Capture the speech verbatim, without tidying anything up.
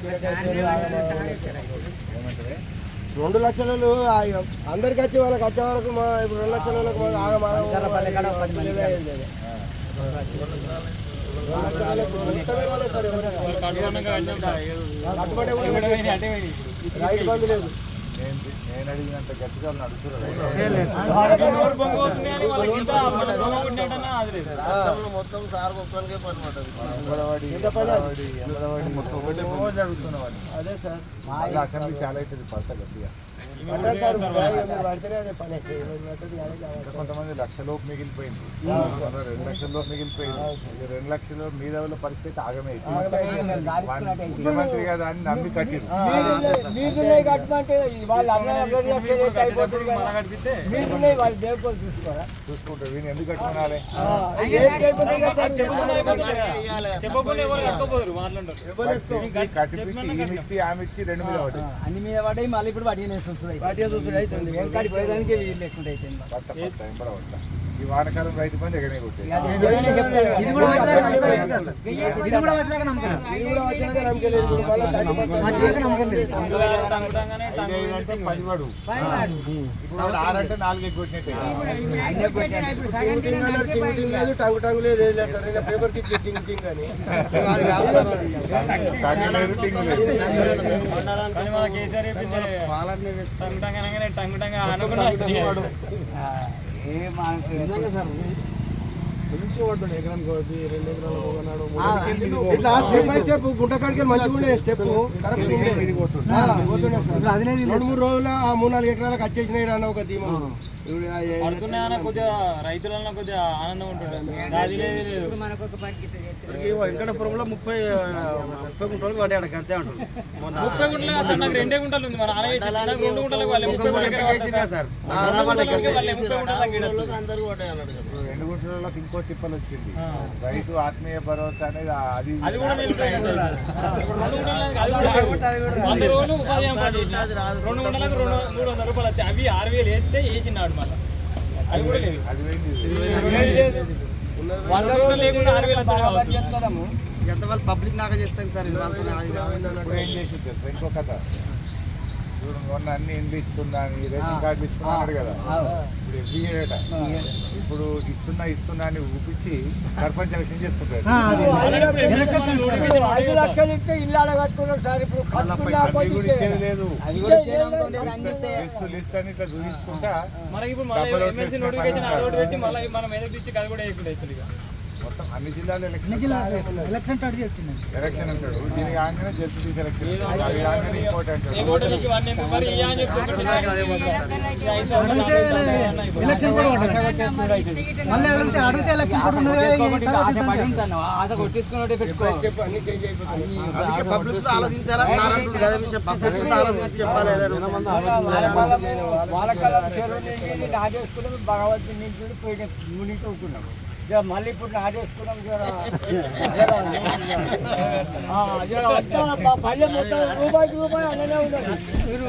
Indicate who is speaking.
Speaker 1: రెండు లక్షలు అందరికి వచ్చి వాళ్ళకి వచ్చే వరకు మా ఇప్పుడు రెండు లక్షల రైతు బంధు లేదు.
Speaker 2: నేను అడిగినంత గట్టిగా నడుచున్నారు మొత్తం సార్ ఒక్కరికే పని అదే సార్ అసెంబ్లీ చాలా అవుతుంది పడతా గట్టిగా. కొంతమంది లక్షలోపు మిగిలిపోయింది, రెండు లక్షల్లోపు మిగిలిపోయింది. రెండు లక్షల మీద పరిస్థితి ఆగమే. ముఖ్యమంత్రి కదా అని నమ్మి కట్టిరు చూసుకుంటారు. వీళ్ళు ఎందుకు కట్టుకోవాలి? కట్టిపించి ఈ మిచ్చి ఆ మిచ్చి రెండు మీద పడ్డాయి,
Speaker 3: అన్ని మీద పడ్డాయి. మళ్ళీ ఇప్పుడు వాటి
Speaker 2: ఈ వానకాలం రైతు బంధు ఎగనే కొట్టాయి. పదివాడు ఇప్పుడు ఆరంటే నాలుగు కొట్టినట్టే.
Speaker 1: టంగు టంగు లేదు పేపర్ కి కానీ గుంట కాడికి మంచిగా స్టెప్ రెండు మూడు రోజుల మూడు నాలుగు ఎకరాలకు వచ్చేసినాయి అన్న ఒక ధీమా.
Speaker 4: కొద్దిగా రైతులలో కొద్దిగా ఆనందం ఉంటుంది.
Speaker 1: వెంకటపురంలో ముప్పై ముప్పై గుంటలకు పడ్డాడు అంతే ఉంటుంది.
Speaker 4: ముప్పై గుంటలు అసలు నాకు రెండే గుంటలు ఉంది. మన రెండు గుంటలకు వాళ్ళే ముప్పై
Speaker 2: సార్ రెండు గుంటలకు ఇంకో తిప్పలు వచ్చింది. రైతు ఆత్మీయ భరోసా అనేది అది
Speaker 4: అది కూడా వంద రోజులు ఉపాధి రెండు గుంటలకు రెండు మూడు వందల రూపాయలు వచ్చాయి. అవి ఆరు వేలు వేస్తే వేసినాడు మళ్ళీ. అది కూడా లేదు. వంద రోజులు లేకుండా ఆరు వేలు
Speaker 1: ఎంత వాళ్ళు పబ్లిక్ నాగా చేస్తాం సార్.
Speaker 2: ఏం చేసి ఇంకో కథ చూడండి, మొన్న అన్ని ఇండ్లు ఇస్తున్నా రేషన్ కార్డులు ఇస్తున్నాడు కదా. ఇప్పుడు ఎవ్రీట ఇప్పుడు ఇస్తున్నా ఇస్తున్నా అని ఊపించి సర్పంచ్ ఎలక్షన్ చేసుకుంటాడు. ఇచ్చేది లేదు. లిస్ట్ లిస్ట్ అని ఇట్లా చూపించుకుంటా మొత్తం అన్ని జిల్లాలో ఎలక్షన్
Speaker 1: ఎలక్షన్
Speaker 2: ఎలక్షన్ అంటాడు. దీనికి ఆగానే జడ్పీ సెలక్షన్, అది ఆగానే ఇంకోటి అంటాడు.
Speaker 1: పబ్లిక్ ఆలోచించారా చెప్పాలి. భగవంతుని నుంచి మునిగి అవుతున్నాం. మళ్ళీ ఇప్పుడు నాటేసుకున్నాం. పల్లె మొత్తం రూపాయికి రూపాయి అలానే ఉన్నది.